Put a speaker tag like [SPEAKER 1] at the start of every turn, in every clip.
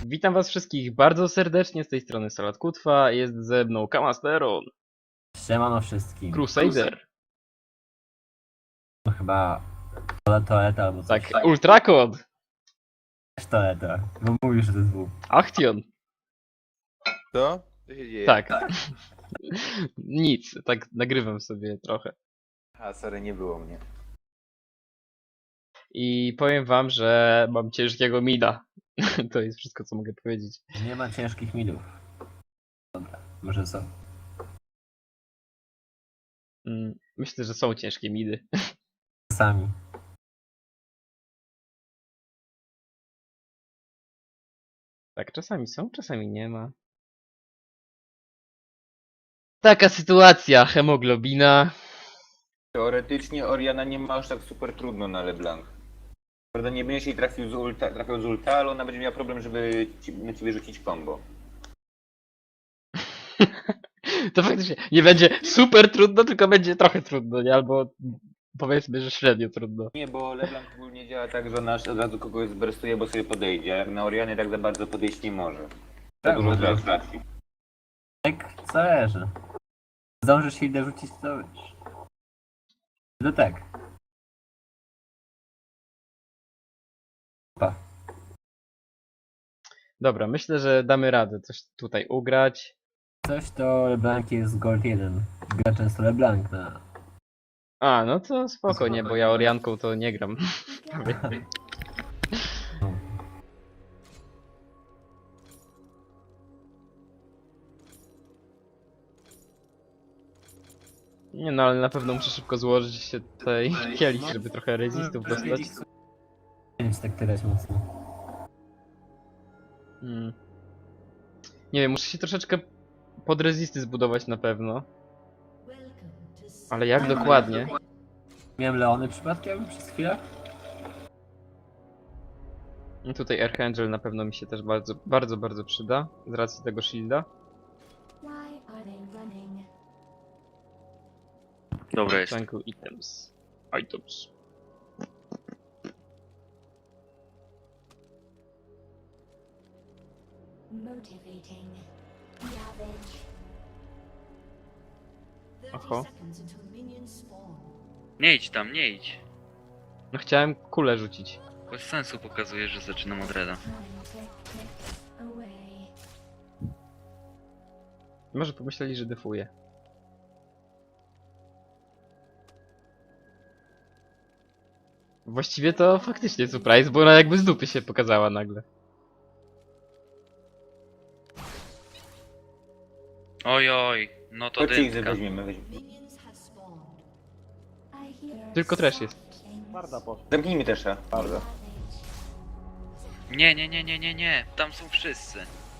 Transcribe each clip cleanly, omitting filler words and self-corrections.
[SPEAKER 1] Witam was wszystkich bardzo serdecznie, z tej strony Salat Kutwa, jest ze mną Kamasteron,
[SPEAKER 2] Siemano wszystkim.
[SPEAKER 1] Crusader,
[SPEAKER 2] To chyba toaleta albo coś.
[SPEAKER 1] tak, Ultrakod,
[SPEAKER 2] Też toaleta, bo mówisz, że to jest W.
[SPEAKER 1] Achtion,
[SPEAKER 3] Co? Co się dzieje?
[SPEAKER 1] tak, nic, tak nagrywam sobie trochę.
[SPEAKER 3] A, sorry, nie było mnie.
[SPEAKER 1] I powiem wam, że mam ciężkiego mida, to jest wszystko co mogę powiedzieć.
[SPEAKER 2] Nie ma ciężkich midów. Dobra, może są.
[SPEAKER 1] Myślę, że są ciężkie midy.
[SPEAKER 2] Sami.
[SPEAKER 1] Tak, czasami są, czasami nie ma. Taka sytuacja, hemoglobina.
[SPEAKER 3] Teoretycznie Oriana nie ma aż tak super trudno na LeBlanc. Prawda, nie będziesz jej trafiał z ulta, ale ona będzie miała problem, żeby na ciebie rzucić combo.
[SPEAKER 1] To faktycznie nie będzie super trudno, tylko będzie trochę trudno, nie? Albo powiedzmy, że średnio trudno.
[SPEAKER 3] Nie, bo LeBlanc ogólnie działa tak, że ona od razu kogoś zberstuje, bo sobie podejdzie, a jak na Orianie tak za bardzo podejść nie może.
[SPEAKER 2] Tak,
[SPEAKER 3] Za dużo
[SPEAKER 2] może.
[SPEAKER 3] trafi.
[SPEAKER 2] Tak, zależy. Zdążysz się dorzucić, to wiesz. No tak. Pa.
[SPEAKER 1] Dobra, myślę, że damy radę coś tutaj ugrać.
[SPEAKER 2] Coś to LeBlanc jest Gold 1. Gra często LeBlanc na...
[SPEAKER 1] A, no to spoko, nie, bo ja Orianką to nie gram. Nie no, ale na pewno muszę szybko złożyć się tutaj kielich, żeby trochę rezistów dostać.
[SPEAKER 2] Nie wiem, czy tak tyrać mocno.
[SPEAKER 1] Hmm. Nie wiem, muszę się troszeczkę pod rezisty zbudować na pewno. Ale jak dokładnie?
[SPEAKER 2] Miałem Leony przypadkiem przez chwilę?
[SPEAKER 1] No tutaj Archangel na pewno mi się też bardzo przyda, z racji tego shielda.
[SPEAKER 4] Dobra jest.
[SPEAKER 1] Jungle items. Items.
[SPEAKER 5] Motivating. Ravage. 30
[SPEAKER 1] Oho.
[SPEAKER 5] seconds until minions spawn.
[SPEAKER 4] Nie idź tam, nie idź.
[SPEAKER 1] No chciałem kulę rzucić.
[SPEAKER 4] Bez sensu pokazuje, że zaczynam od reda.
[SPEAKER 5] Time to click away.
[SPEAKER 1] Może pomyśleli, że defuję. Właściwie to faktycznie surprise, bo ona jakby z dupy się pokazała nagle.
[SPEAKER 4] Oj, oj, no to
[SPEAKER 3] Chodźcie ich
[SPEAKER 4] dynka.
[SPEAKER 3] weźmiemy.
[SPEAKER 5] Minions have spawned. I hear
[SPEAKER 1] Tylko trash jest.
[SPEAKER 3] Zamknijmy też, bardzo.
[SPEAKER 4] Nie, nie, nie, nie, nie, nie. Tam są wszyscy.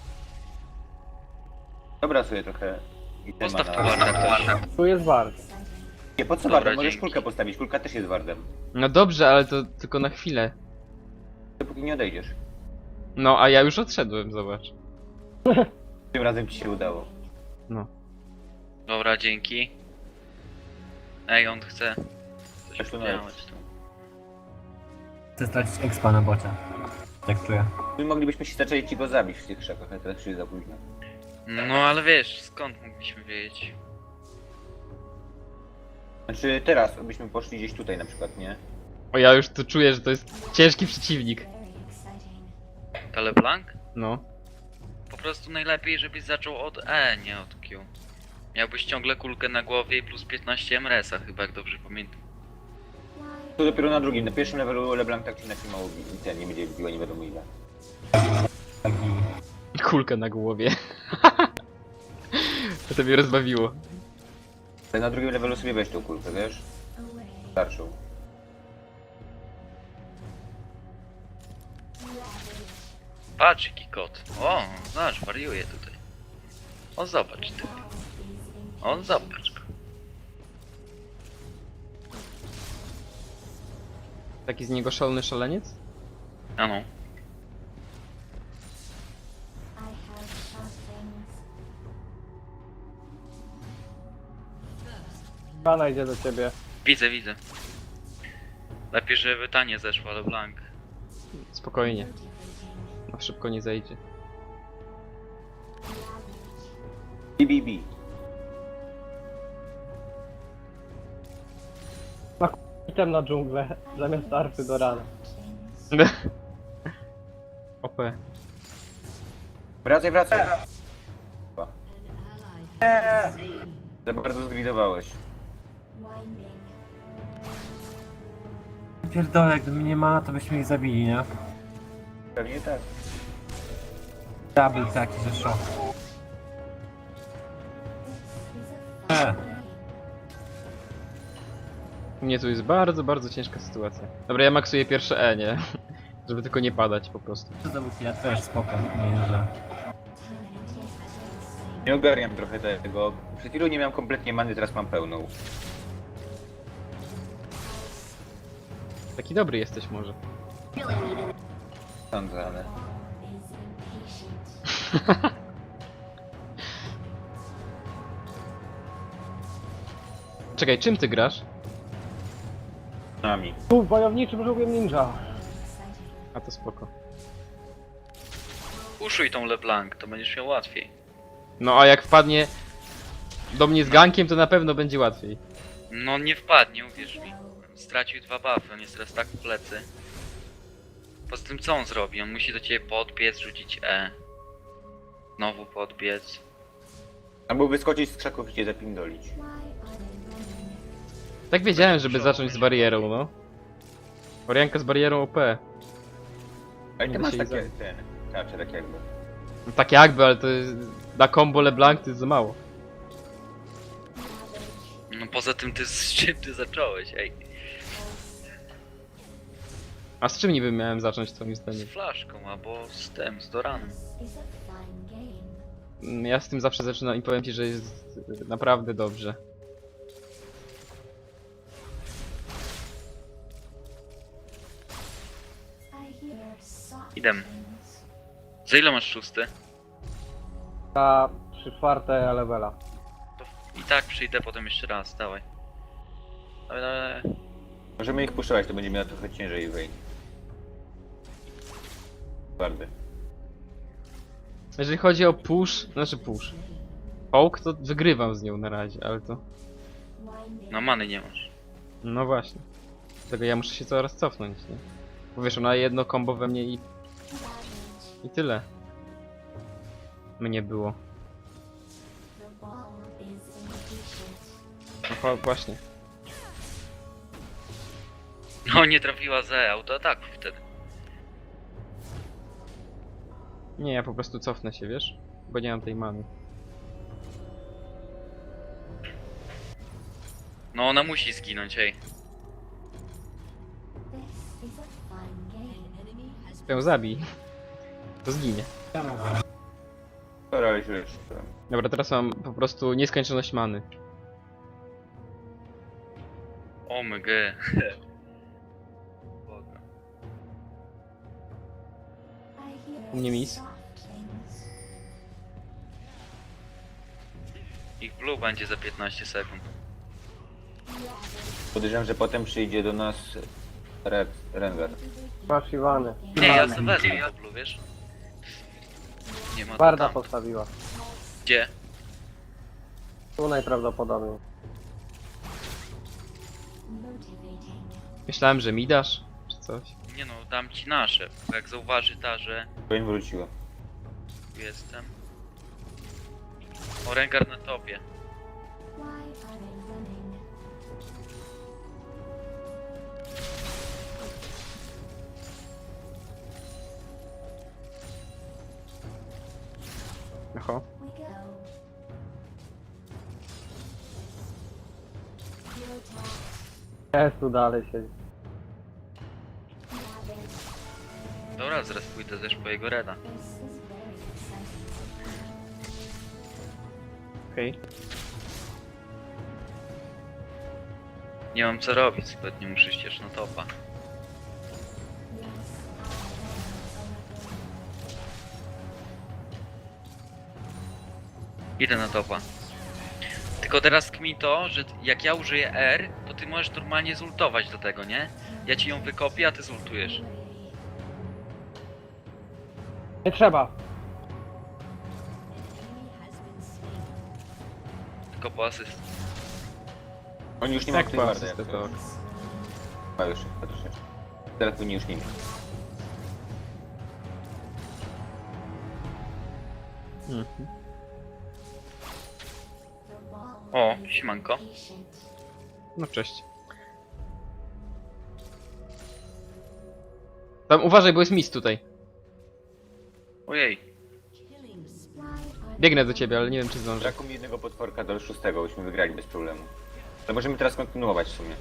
[SPEAKER 3] Dobra sobie trochę.
[SPEAKER 4] Postaw tu
[SPEAKER 3] itema na-
[SPEAKER 4] warta też.
[SPEAKER 6] Tu jest wart.
[SPEAKER 3] Nie, po co
[SPEAKER 4] Dobra,
[SPEAKER 3] wardem? Możesz
[SPEAKER 4] dzięki.
[SPEAKER 3] kulkę postawić, kulka też jest wardem.
[SPEAKER 1] No dobrze, ale to tylko na chwilę.
[SPEAKER 3] Dopóki nie odejdziesz.
[SPEAKER 1] No, a ja już odszedłem, zobacz.
[SPEAKER 3] Tym razem ci się udało.
[SPEAKER 1] No.
[SPEAKER 4] Dobra, dzięki. Ej, on chce. Coś
[SPEAKER 3] Też to
[SPEAKER 4] powiedziałeś tu.
[SPEAKER 2] Chcę stracić expa na bocie. Tak czuję.
[SPEAKER 3] My moglibyśmy się zaczęli ci go zabić w tych krzakach, ale teraz już jest za późno.
[SPEAKER 4] No ale wiesz, skąd mogliśmy wiedzieć?
[SPEAKER 3] Znaczy teraz byśmy poszli gdzieś tutaj na przykład, nie?
[SPEAKER 1] O, ja już tu czuję, że to jest ciężki przeciwnik.
[SPEAKER 5] very exciting.
[SPEAKER 4] To LeBlanc?
[SPEAKER 1] No.
[SPEAKER 4] Po prostu najlepiej, żebyś zaczął od E, nie od Q. Miałbyś ciągle kulkę na głowie i plus 15 MRS-a chyba, jak dobrze pamiętam.
[SPEAKER 3] To dopiero na drugim, na pierwszym levelu LeBlanc tak czy inaczej mało ten nie będzie biła nie wiadomo ile.
[SPEAKER 2] Taki...
[SPEAKER 1] Kulka na głowie. To mnie rozbawiło.
[SPEAKER 3] Ale na drugim levelu sobie weź tą kulkę, wiesz?
[SPEAKER 5] Away.
[SPEAKER 3] Starszą.
[SPEAKER 4] Patrz jaki kot. O, zobacz, wariuje tutaj. O, zobacz ty. On zobacz go.
[SPEAKER 1] Taki z niego szalony szaleniec?
[SPEAKER 4] Ano.
[SPEAKER 5] I have sharp things.
[SPEAKER 6] Pana idzie do ciebie.
[SPEAKER 4] Widzę, widzę. Lepiej, żeby ta nie zeszła, LeBlanc.
[SPEAKER 1] Spokojnie.
[SPEAKER 5] Motivating.
[SPEAKER 1] No szybko nie zejdzie.
[SPEAKER 3] BBB.
[SPEAKER 6] Item na dżunglę, zamiast arfy do rana.
[SPEAKER 1] OP.
[SPEAKER 3] Wracaj. Za bardzo zgridowałeś.
[SPEAKER 2] Pierdolę, gdyby nie ma, to byśmy ich zabili, nie?
[SPEAKER 3] Pewnie tak.
[SPEAKER 2] Double taki, że szok.
[SPEAKER 1] U mnie tu jest bardzo, bardzo ciężka sytuacja. Dobra, ja maksuję pierwsze E, nie? Żeby tylko nie padać po prostu.
[SPEAKER 2] Co to był ja też spoko, nie że.
[SPEAKER 3] Nie ogarniam trochę tego. Przed chwilą nie miałem kompletnie many, teraz mam pełną.
[SPEAKER 1] Taki dobry jesteś może.
[SPEAKER 3] Sądzę, ale...
[SPEAKER 1] Czekaj, czym ty grasz?
[SPEAKER 3] Nami.
[SPEAKER 6] Tu, wojowniczym żółwiem ninja.
[SPEAKER 1] A to spoko.
[SPEAKER 4] Uszuj tą LeBlanc, to będziesz miał łatwiej.
[SPEAKER 1] No a jak wpadnie do mnie z gankiem, to na pewno będzie łatwiej.
[SPEAKER 4] No nie wpadnie, uwierz mi. Stracił 2 buffy, on jest teraz tak w plecy. Poza tym co on zrobi? On musi do ciebie podbiec, rzucić E. Znowu podbiec.
[SPEAKER 3] Albo wyskoczyć z krzaków i cię zapindolić.
[SPEAKER 1] Tak wiedziałem, żeby zacząć z barierą, no. Orianka z barierą OP.
[SPEAKER 3] Ale
[SPEAKER 1] Nie
[SPEAKER 3] ty
[SPEAKER 1] da
[SPEAKER 3] masz
[SPEAKER 1] się
[SPEAKER 3] takie...
[SPEAKER 1] zająć.
[SPEAKER 3] Tarcze tak jakby.
[SPEAKER 1] No tak jakby, ale to jest... Na combo LeBlanc to jest za mało.
[SPEAKER 4] No poza tym ty z czym ty zacząłeś, ej.
[SPEAKER 1] A z czym niby miałem zacząć twoim
[SPEAKER 4] Z
[SPEAKER 1] zdaniem?
[SPEAKER 4] flaszką albo z tym, z Doranem.
[SPEAKER 1] Ja z tym zawsze zaczynam i powiem ci, że jest naprawdę dobrze.
[SPEAKER 4] Idem. Za ile masz 6?
[SPEAKER 6] Ta 3/4 levela.
[SPEAKER 4] To i tak przyjdę potem jeszcze raz, dawaj. Dawaj.
[SPEAKER 3] Możemy ich puszczać, to będzie miała trochę ciężej wejść. Twardy.
[SPEAKER 1] Jeżeli chodzi o push, znaczy push. Poke to wygrywam z nią na razie, ale to...
[SPEAKER 4] No many nie masz.
[SPEAKER 1] No właśnie. Dlatego ja muszę się coraz cofnąć, nie? Bo wiesz, ona jedno combo we mnie i tyle. Mnie było. No właśnie.
[SPEAKER 4] No nie trafiła za autoataku wtedy.
[SPEAKER 1] Nie, ja po prostu cofnę się, wiesz? Bo nie mam tej many.
[SPEAKER 4] No ona musi zginąć, ej.
[SPEAKER 1] Ją zabij. To zginie.
[SPEAKER 2] Ja mogę.
[SPEAKER 3] Dobra, ale źle jeszcze.
[SPEAKER 1] Dobra, teraz mam po prostu nieskończoność many.
[SPEAKER 4] OMG. Boga.
[SPEAKER 1] U mnie mis.
[SPEAKER 4] Ich blue będzie za 15 sekund.
[SPEAKER 3] Podejrzewam, że potem przyjdzie do nas Rengar.
[SPEAKER 6] Masz Iwany.
[SPEAKER 4] Nie, ja sobie wezmę to blue, wiesz? Nie ma to
[SPEAKER 6] Barda
[SPEAKER 4] tam.
[SPEAKER 6] postawiła.
[SPEAKER 4] Gdzie?
[SPEAKER 6] Tu najprawdopodobniej.
[SPEAKER 1] Myślałem, że mi dasz, czy coś.
[SPEAKER 4] Nie no, dam ci nasze. Bo jak zauważy ta, że
[SPEAKER 3] Powiem wróciło.
[SPEAKER 4] tu jestem. O, Rengar na topie.
[SPEAKER 1] Oho.
[SPEAKER 6] Jest tu dalej siedzi.
[SPEAKER 4] Dobra, zaraz pójdę też po jego reda.
[SPEAKER 1] Okej.
[SPEAKER 4] Nie mam co robić, zbytnio muszę ścież na topa. Idę na topa. Tylko teraz kmi to, że jak ja użyję R, to ty możesz normalnie zultować do tego, nie? Ja ci ją wykopię, a ty zultujesz.
[SPEAKER 6] Nie trzeba.
[SPEAKER 4] Wszystko po asyst.
[SPEAKER 3] Oni już nie
[SPEAKER 1] Tak,
[SPEAKER 3] mają tej
[SPEAKER 1] po
[SPEAKER 3] wardy.
[SPEAKER 1] asystę to ok.
[SPEAKER 3] Ma już, troszeczkę. Teraz powinni już nie mieć.
[SPEAKER 1] Mhm.
[SPEAKER 5] The wall
[SPEAKER 4] O,
[SPEAKER 5] is
[SPEAKER 4] siemanko.
[SPEAKER 5] patient.
[SPEAKER 1] No cześć. Tam uważaj, bo jest mis tutaj.
[SPEAKER 4] Ojej.
[SPEAKER 5] Killing spree. Why are
[SPEAKER 1] Biegnę do ciebie, ale nie wiem czy zdążę.
[SPEAKER 3] Brakuje mi jednego potworka do 6, byśmy wygrali bez problemu. Ale możemy teraz kontynuować w sumie.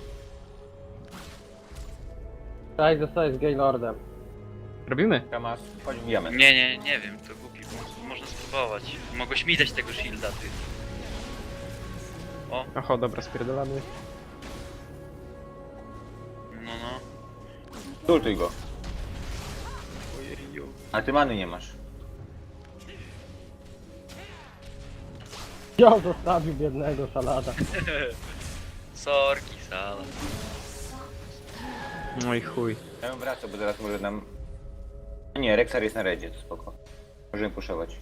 [SPEAKER 6] Tak, zostałeś Gaylordem.
[SPEAKER 1] Robimy?
[SPEAKER 3] Kamas, chodź wbijamy.
[SPEAKER 4] Nie wiem, to głupi pomysł. Można spróbować. Mogłeś mi dać tego shielda, ty. O,
[SPEAKER 1] Oho, dobra, spierdolamy.
[SPEAKER 4] no.
[SPEAKER 3] Zultuj go.
[SPEAKER 4] Ojeju.
[SPEAKER 3] A ty many nie masz.
[SPEAKER 6] Ja zostawił biednego szalada.
[SPEAKER 4] Sorki, sala.
[SPEAKER 1] No i chuj.
[SPEAKER 3] Ja bym wracał, bo zaraz może nam... Nie, Rexar jest na redzie, to spoko. Możemy puszować.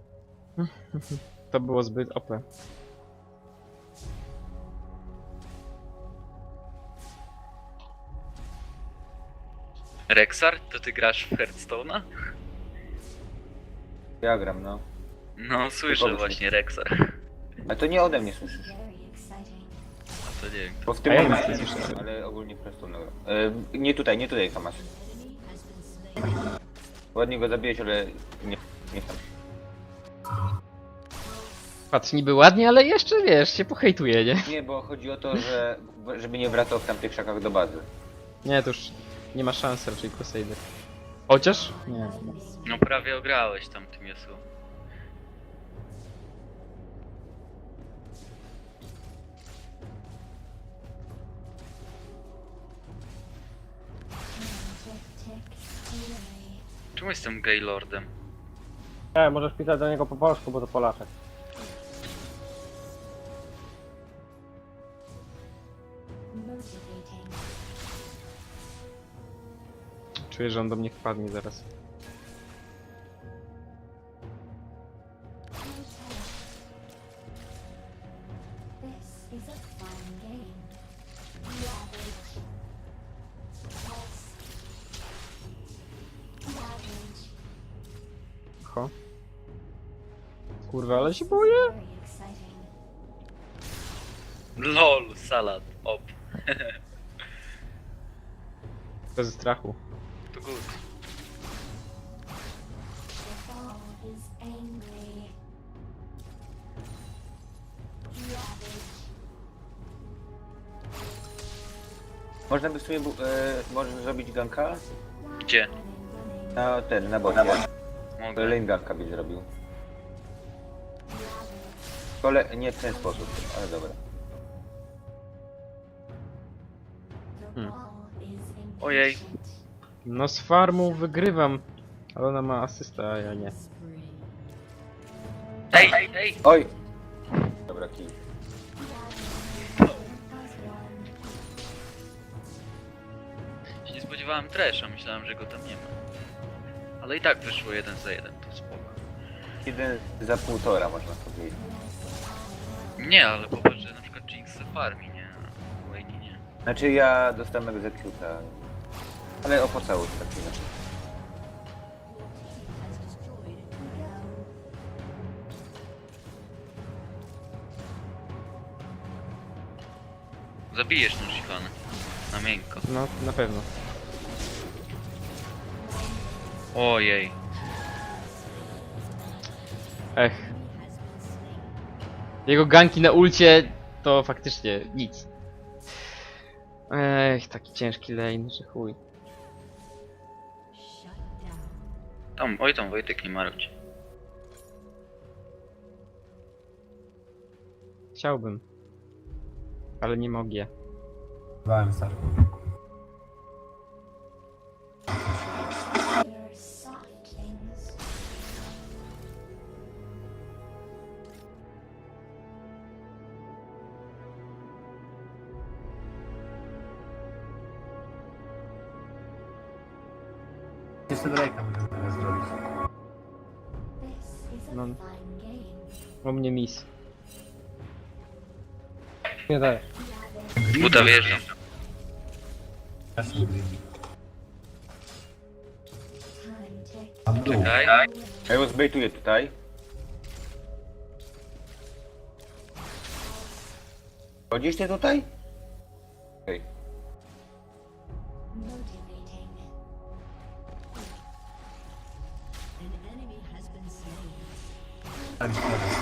[SPEAKER 1] To było zbyt OP.
[SPEAKER 4] Rexar, to ty grasz w Hearthstone'a?
[SPEAKER 3] Ja gram, no.
[SPEAKER 4] No, słyszę
[SPEAKER 3] Kogoś
[SPEAKER 4] właśnie Rexar.
[SPEAKER 3] A to nie ode mnie słyszysz.
[SPEAKER 5] very exciting.
[SPEAKER 4] A to nie wiem.
[SPEAKER 3] Bo w tym
[SPEAKER 1] A ja
[SPEAKER 3] momencie
[SPEAKER 1] nic nie słyszę.
[SPEAKER 3] ale ogólnie prosto no. Nie tutaj, Kamas. Ładnie go zabiłeś, ale nie tam.
[SPEAKER 1] Patrz, niby ładnie, ale jeszcze wiesz, się pohejtuje, nie?
[SPEAKER 3] Nie, bo chodzi o to, że żeby nie wracał w tamtych krzakach do bazy.
[SPEAKER 1] Nie, to już nie ma szans raczej Crusader. Chociaż? Nie.
[SPEAKER 4] No prawie ograłeś tam tym Yasuo.
[SPEAKER 5] Tick, tick, away.
[SPEAKER 4] Czemu jestem Gaylordem?
[SPEAKER 6] Nie, możesz pisać do niego po polsku, bo to Polaczek.
[SPEAKER 5] Motivating.
[SPEAKER 1] Czuję, że on do mnie wpadnie zaraz.
[SPEAKER 5] This is a fun game. Ravage. Yes. Ravage.
[SPEAKER 1] Ho. Kurwa, ale się boję.
[SPEAKER 5] Very exciting.
[SPEAKER 4] LOL, salad, op.
[SPEAKER 1] Bez strachu.
[SPEAKER 4] To good.
[SPEAKER 5] The ball is angry. Ravage.
[SPEAKER 3] Można by w sumie może zrobić ganka?
[SPEAKER 4] Gdzie?
[SPEAKER 3] Na bocie.
[SPEAKER 4] Mogę.
[SPEAKER 3] Lane ganka byś zrobił. Nie w ten sposób, ale dobra.
[SPEAKER 5] The
[SPEAKER 1] Hmm.
[SPEAKER 5] ball is impatient.
[SPEAKER 4] Ojej.
[SPEAKER 1] No z farmą wygrywam. Ale ona ma asysta, a ja nie.
[SPEAKER 5] Spree.
[SPEAKER 4] Ej!
[SPEAKER 3] Oj! Dobra, kill.
[SPEAKER 5] As one.
[SPEAKER 4] Się nie spodziewałem Tresha, myślałem, że go tam nie ma. Ale i tak wyszło 1 za 1, to spoko.
[SPEAKER 3] 1 za 1,5 można powiedzieć.
[SPEAKER 4] Nie, ale popatrz, że na przykład Jinx farmi, nie? A Wayne nie.
[SPEAKER 3] Znaczy ja dostałem egzekuta. Ale opłacało się tak chwilę.
[SPEAKER 4] Zabijesz tą Shivanę. Na miękko.
[SPEAKER 1] No, na pewno.
[SPEAKER 4] Ojej.
[SPEAKER 1] Ech. Jego ganki na ulcie to faktycznie nic. Ech, taki ciężki lane, że chuj.
[SPEAKER 5] Shut down.
[SPEAKER 4] Tam Wojtek, nie marudź.
[SPEAKER 1] Chciałbym. Ale nie mogę.
[SPEAKER 2] Bałem stary.
[SPEAKER 5] You're soft things.
[SPEAKER 2] Jeszcze Drake'a możemy zrobić.
[SPEAKER 5] This is a
[SPEAKER 1] No.
[SPEAKER 5] fun game.
[SPEAKER 1] O mnie mis.
[SPEAKER 6] Nie daje.
[SPEAKER 4] Buta wjeżdżam.
[SPEAKER 2] Strasznie greedy.
[SPEAKER 5] Time ticks.
[SPEAKER 2] Mam dół.
[SPEAKER 4] Czekaj.
[SPEAKER 3] Ja ją zbejtuję tutaj. Chodzisz ty tutaj? Okej.
[SPEAKER 5] Motivating.
[SPEAKER 2] Tak, szkoda.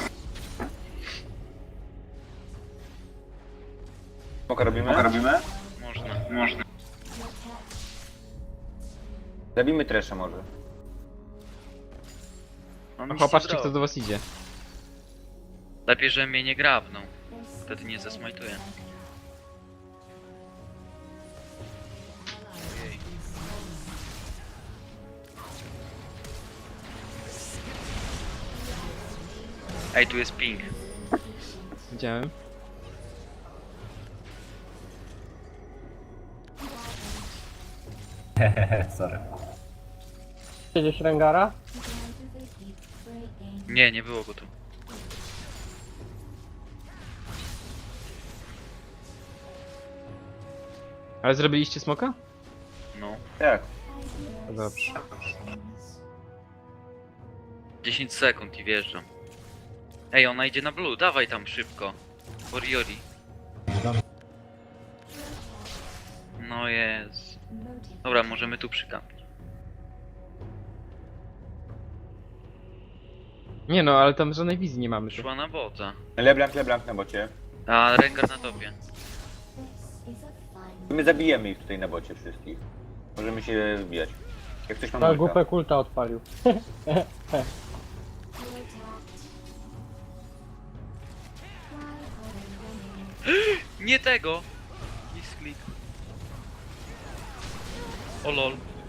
[SPEAKER 3] Smoka robimy?
[SPEAKER 4] Można.
[SPEAKER 3] Zabijmy Tresha może.
[SPEAKER 4] On nic
[SPEAKER 1] O,
[SPEAKER 4] nie
[SPEAKER 1] patrzcie kto
[SPEAKER 4] zrobi.
[SPEAKER 1] do was idzie.
[SPEAKER 4] Lepiej, że mnie nie grabną. Wtedy nie zasmajtuję. Ojej. Ej, tu jest ping.
[SPEAKER 1] Widziałem.
[SPEAKER 2] Hehehe, sorry.
[SPEAKER 6] Gdzieś Rengara?
[SPEAKER 5] Gradually keep breaking.
[SPEAKER 4] Nie, nie było go tu.
[SPEAKER 1] Ale zrobiliście smoka?
[SPEAKER 4] No.
[SPEAKER 3] Tak.
[SPEAKER 1] To dobrze.
[SPEAKER 4] 10 sekund i wjeżdżam. Ej, ona idzie na blue, dawaj tam szybko. Warriori. No jest.
[SPEAKER 5] Motivating.
[SPEAKER 4] Dobra, możemy tu przykampić.
[SPEAKER 1] Nie no, ale tam żadnej wizji nie mamy.
[SPEAKER 4] Szła na bota.
[SPEAKER 3] LeBlanc na bocie.
[SPEAKER 4] A Rengar na topie.
[SPEAKER 5] This is a fine.
[SPEAKER 3] My zabijemy ich tutaj na bocie wszystkich. Możemy się wbijać. Jak ktoś ma
[SPEAKER 6] Na
[SPEAKER 3] multa.
[SPEAKER 6] głupę kulta odpalił.
[SPEAKER 5] You're attacked. Try harder winning.
[SPEAKER 4] Nie tego! Misklik. O lol.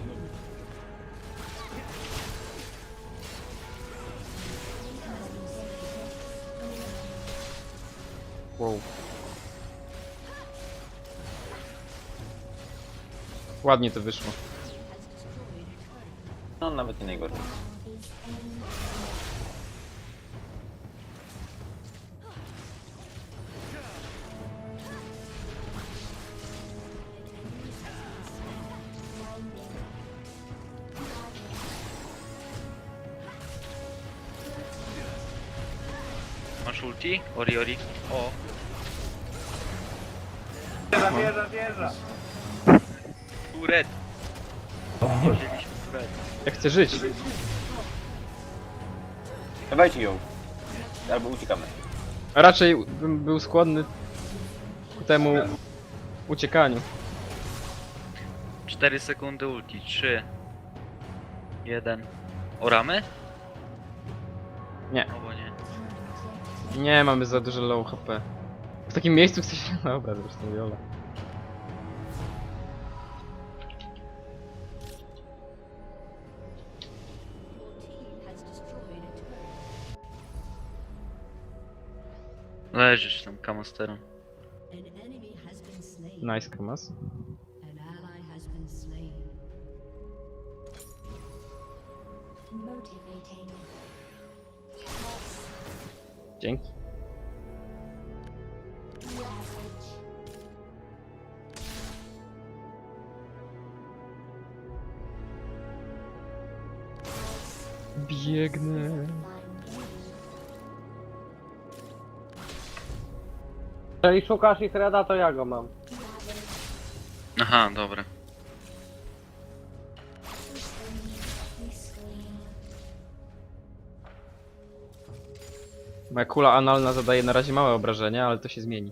[SPEAKER 1] Wow. Ładnie to wyszło.
[SPEAKER 3] No nawet nie najgorzej.
[SPEAKER 4] Masz ulti? Ori. O.
[SPEAKER 3] Wieża!
[SPEAKER 4] Turet. Wzięliśmy turet.
[SPEAKER 1] Ja chcę żyć.
[SPEAKER 3] Dawajcie ją. Albo uciekamy.
[SPEAKER 1] A raczej bym był skłonny ku temu uciekaniu.
[SPEAKER 4] 4 sekundy ulti. 3. 1. Oramy?
[SPEAKER 1] Nie.
[SPEAKER 4] No bo nie.
[SPEAKER 1] Nie, mamy za dużo low HP. W takim miejscu chcesz... Dobra, zresztą Viola.
[SPEAKER 4] Leżysz tam, Kamasterem.
[SPEAKER 1] Nice, Kamas.
[SPEAKER 5] Motivating.
[SPEAKER 1] Dzięki.
[SPEAKER 5] Ravage.
[SPEAKER 1] Biegnę.
[SPEAKER 5] Fine.
[SPEAKER 6] Jeżeli szukasz ich reda, to ja go mam.
[SPEAKER 4] Aha, dobra.
[SPEAKER 1] Moja kula analna zadaje na razie małe obrażenia, ale to się zmieni.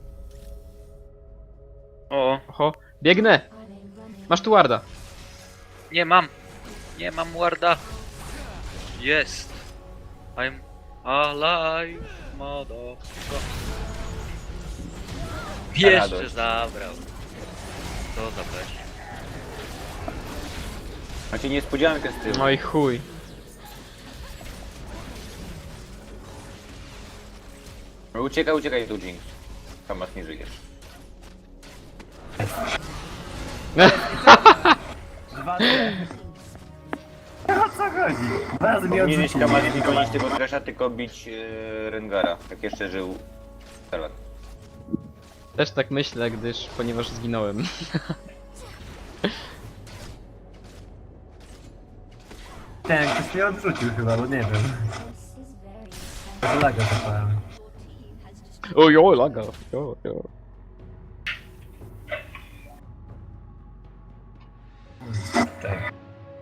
[SPEAKER 4] O,
[SPEAKER 1] Oho, biegnę! Masz tu warda.
[SPEAKER 4] nie mam. Nie mam warda. Jest. I'm alive, motherfucker. Jeszcze
[SPEAKER 3] radość.
[SPEAKER 4] zabrał. Co za weź.
[SPEAKER 3] Macie niespodziankę z tyłu.
[SPEAKER 1] No i chuj.
[SPEAKER 3] Uciekaj tu, Jinx. Kamas nie żyjesz.
[SPEAKER 2] O co chodzi? Bardzo mi
[SPEAKER 3] Powinieneś
[SPEAKER 2] odrzucił.
[SPEAKER 3] Kamas nie gonić tego Tresha, tylko bić Rengara. Jak jeszcze żył Salat.
[SPEAKER 1] Też tak myślę, ponieważ zginąłem.
[SPEAKER 2] Ten, ktoś mnie odrzucił chyba, bo nie wiem.
[SPEAKER 5] This is very sad.
[SPEAKER 2] Laga zapałem.
[SPEAKER 1] Ojo, laga. Jo, jo.
[SPEAKER 2] Czekaj.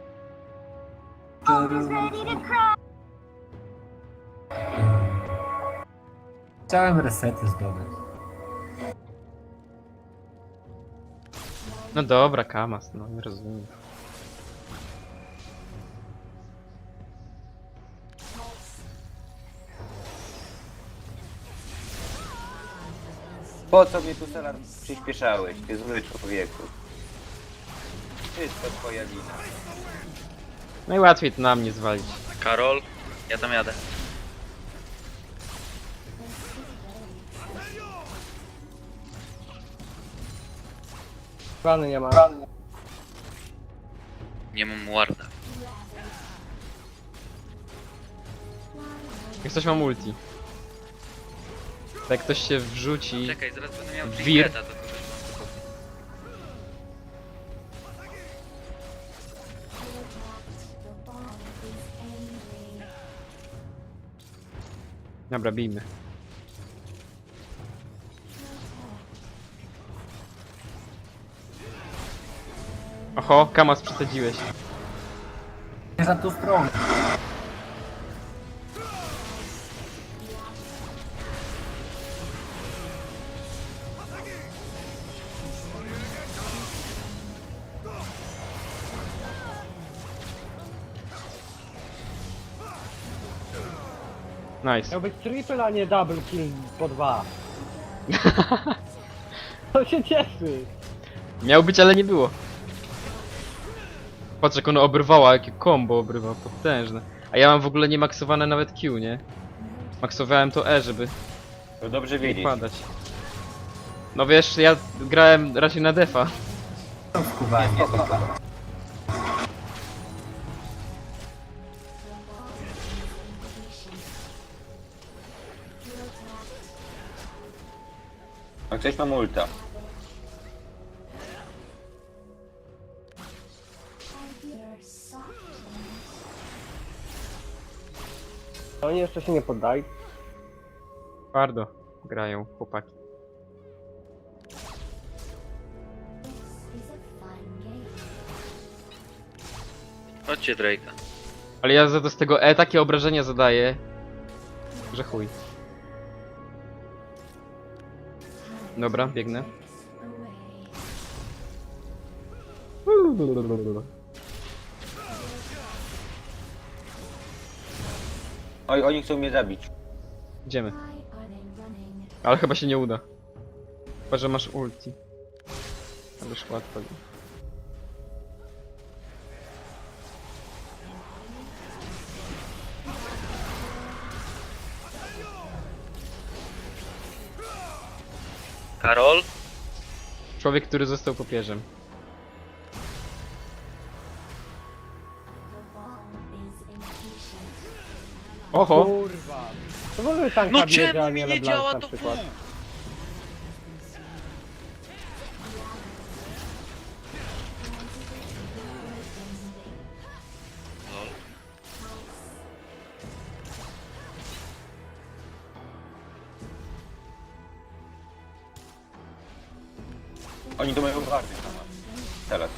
[SPEAKER 2] Chciałem resety zdobyć.
[SPEAKER 1] No dobra, Kamas, no nie rozumiem.
[SPEAKER 3] Po co mnie tu Solar przyspieszałeś, ty zły człowieku? Wszystko twoja wina.
[SPEAKER 1] Najłatwiej to na mnie zwalić.
[SPEAKER 4] Karol, ja tam jadę.
[SPEAKER 6] Plany nie ma.
[SPEAKER 4] Nie mam warda.
[SPEAKER 1] Jak ktoś ma multi. Tak jak ktoś się wrzuci.
[SPEAKER 4] Czekaj, zaraz będę miał
[SPEAKER 1] Wir.
[SPEAKER 4] trinketa, to kogoś mam tylko.
[SPEAKER 5] The bomb is angry.
[SPEAKER 1] Dobra, bijmy. Oho, Kamas przesadziłeś.
[SPEAKER 2] Nie za tą stronę.
[SPEAKER 1] Nice.
[SPEAKER 6] Miał być triple, a nie double kill po 2. To się cieszy.
[SPEAKER 1] Miał być, ale nie było. Patrz jak ono obrywała, jakie combo obrywa, potężne. A ja mam w ogóle nie maksowane nawet Q, nie? Maksowałem to E, żeby
[SPEAKER 3] To dobrze
[SPEAKER 1] nie
[SPEAKER 3] wiedzieć.
[SPEAKER 1] padać. No wiesz, ja grałem raczej na defa.
[SPEAKER 2] To skuwanie.
[SPEAKER 3] A ktoś ma multa.
[SPEAKER 5] I hear softness.
[SPEAKER 6] Oni jeszcze się nie poddali.
[SPEAKER 1] Twardo grają chłopaki.
[SPEAKER 5] This is a fun game.
[SPEAKER 4] Chodźcie Drake'a.
[SPEAKER 1] Ale ja za to z tego E takie obrażenia zadaję, że chuj. Dobra, biegnę.
[SPEAKER 5] Away.
[SPEAKER 3] Oj, oni chcą mnie zabić.
[SPEAKER 1] Idziemy.
[SPEAKER 5] Why are they running?
[SPEAKER 1] Ale chyba się nie uda. Chyba, że masz ulti. Ależ łatwo.
[SPEAKER 4] Karol?
[SPEAKER 1] Człowiek, który został popierzem.
[SPEAKER 5] The bomb is impatient.
[SPEAKER 1] Oho!
[SPEAKER 6] Kurwa. To w ogóle tanka
[SPEAKER 4] No
[SPEAKER 6] bierze, a
[SPEAKER 4] czemu mi
[SPEAKER 6] nie
[SPEAKER 4] nie
[SPEAKER 6] LeBlanc
[SPEAKER 4] działa
[SPEAKER 6] na
[SPEAKER 4] to
[SPEAKER 6] przykład.
[SPEAKER 4] pół? Lol.
[SPEAKER 3] Oni to mają warty sama. Teraz.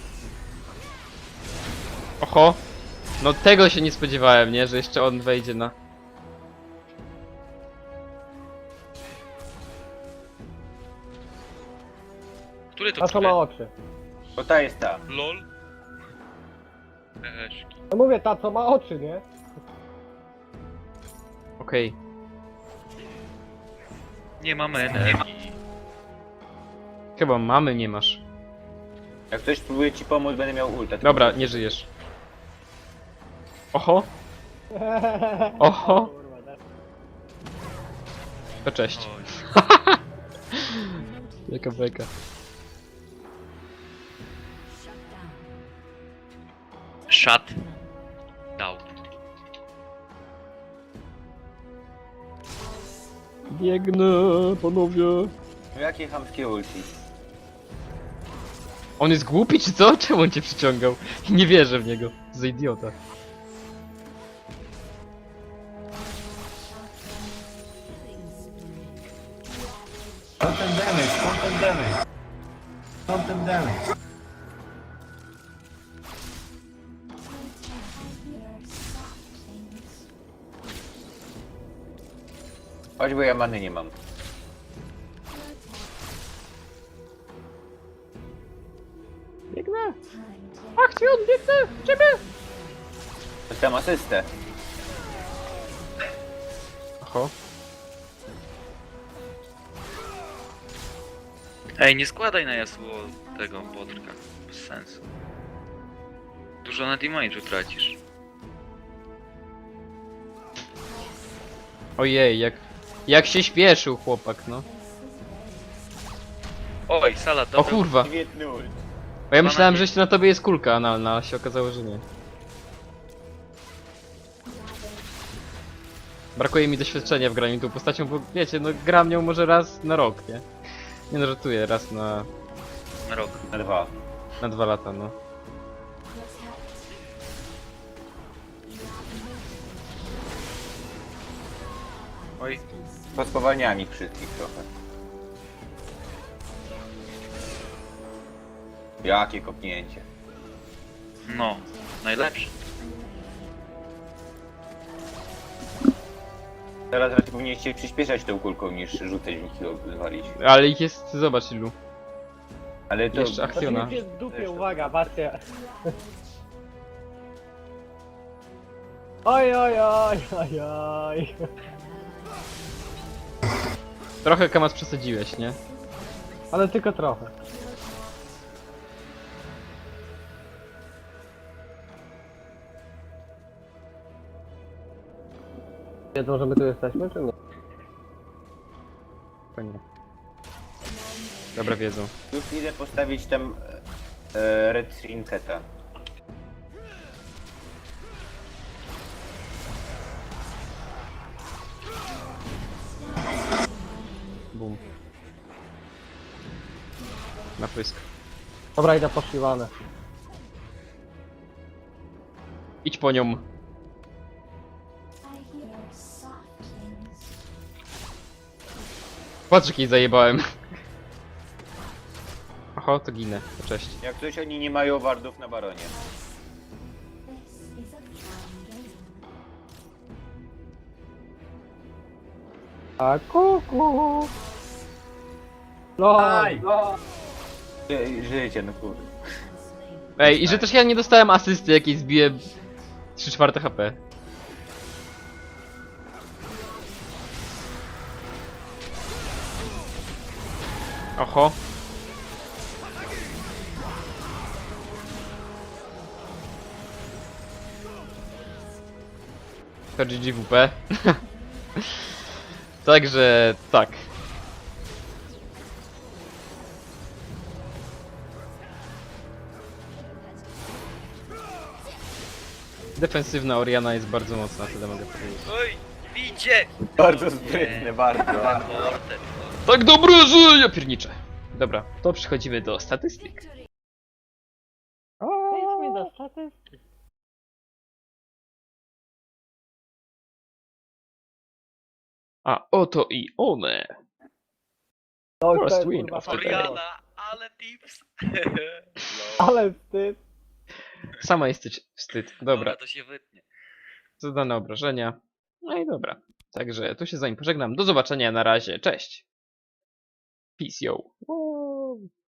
[SPEAKER 1] Oho! No tego się nie spodziewałem, nie? Że jeszcze on wejdzie na...
[SPEAKER 4] Który to
[SPEAKER 6] A co ma
[SPEAKER 4] który?
[SPEAKER 6] oczy?
[SPEAKER 3] Bo ta jest ta.
[SPEAKER 4] LOL? Eszki.
[SPEAKER 6] No mówię, ta co ma oczy, nie?
[SPEAKER 1] Okej.
[SPEAKER 4] Nie mamy energii.
[SPEAKER 1] Chyba mamy nie masz.
[SPEAKER 3] Jak ktoś próbuje ci pomóc, będę miał ulta.
[SPEAKER 1] Dobra, nie żyjesz. Oho! Oho!
[SPEAKER 6] Kurwa, da-
[SPEAKER 1] To cześć.
[SPEAKER 4] Oj.
[SPEAKER 1] Jaka beka.
[SPEAKER 4] Shut down.
[SPEAKER 1] Biegnę, panowie.
[SPEAKER 3] Jakie chamskie ulti?
[SPEAKER 1] On jest głupi czy co? Czemu on cię przyciągał? Nie wierzę w niego. Za idiota.
[SPEAKER 2] Skąd ten damage? Skąd ten damage? Skąd ten damage?
[SPEAKER 3] Chodź, bo ja many nie mam.
[SPEAKER 1] Biegnę! Akcjon, biegnę! Ciebie!
[SPEAKER 3] Dostałem asystę.
[SPEAKER 1] Oho.
[SPEAKER 4] Ej, nie składaj na Yasuo tego Bodrka. Bez sensu. Dużo na damage'u tracisz.
[SPEAKER 1] Ojej, jak się śpieszył chłopak, no.
[SPEAKER 4] Oj, Sala,
[SPEAKER 1] O
[SPEAKER 4] dobra.
[SPEAKER 1] kurwa.
[SPEAKER 3] Świetny ult.
[SPEAKER 1] Bo ja myślałem,
[SPEAKER 4] nadzieję.
[SPEAKER 1] że na tobie jest kulka analna, a się okazało, że nie. Brakuje mi doświadczenia w graniu tą postacią, bo wiecie, no gram nią może raz na rok, nie? Nie no, żartuję, raz na
[SPEAKER 4] Na rok.
[SPEAKER 3] Na 2.
[SPEAKER 1] 2 lata, no.
[SPEAKER 4] Oj,
[SPEAKER 3] Pospowalniałem ich wszystkich trochę. Jakie kopnięcie.
[SPEAKER 4] no. Najlepszy.
[SPEAKER 3] Teraz raczej powinniście przyspieszać tą kulką niż rzucać w nich i zwalić.
[SPEAKER 1] Ale ich jest, zobacz ilu.
[SPEAKER 3] Ale to...
[SPEAKER 1] Jeszcze akcjona.
[SPEAKER 6] Znaczy, jest w dupie, uwaga, patrzcie. Oj, oj, oj, oj, oj.
[SPEAKER 1] Trochę Kamas przesadziłeś, nie?
[SPEAKER 6] Ale tylko trochę. Wiedzą, że my tu jesteśmy, czy nie?
[SPEAKER 1] To nie. Dobra, wiedzą.
[SPEAKER 3] Już idę postawić tam Red Trinketa.
[SPEAKER 1] Bum. Na pysk.
[SPEAKER 6] Dobra, idę poszywane.
[SPEAKER 1] Idź po nią.
[SPEAKER 5] I hear soft things.
[SPEAKER 1] Patrz, jak jej zajebałem. Oho, to ginę. To cześć.
[SPEAKER 3] Jak coś oni nie mają wardów na baronie.
[SPEAKER 5] This is a fun game.
[SPEAKER 6] A kuku. No,
[SPEAKER 2] Aj!
[SPEAKER 3] Żyjcie, no kurde.
[SPEAKER 1] Ej, i że też ja nie dostałem asysty, jakiej zbiłem 3/4 HP. Oho. To GGWP. Także tak. Defensywna Oriana jest bardzo mocna, tyle mogę powiedzieć.
[SPEAKER 4] Oj, widzicie!
[SPEAKER 3] Bardzo sprytne, bardzo.
[SPEAKER 4] Porter.
[SPEAKER 1] Tak dobrze, że ja pierniczę. Dobra, to przechodzimy do statystyk.
[SPEAKER 6] Przejdźmy do statystyk.
[SPEAKER 1] A oto i one.
[SPEAKER 6] To
[SPEAKER 1] First
[SPEAKER 6] jest,
[SPEAKER 1] win
[SPEAKER 6] kurwa,
[SPEAKER 1] of the
[SPEAKER 6] fajne.
[SPEAKER 1] day.
[SPEAKER 4] Oriana, ale tips.
[SPEAKER 6] Ale wstyd.
[SPEAKER 1] Sama jesteś wstyd. Dobra,
[SPEAKER 4] to się wytnie.
[SPEAKER 1] zadane obrażenia. No i dobra. Także tu się z wami pożegnam. Do zobaczenia na razie. Cześć. Peace yo.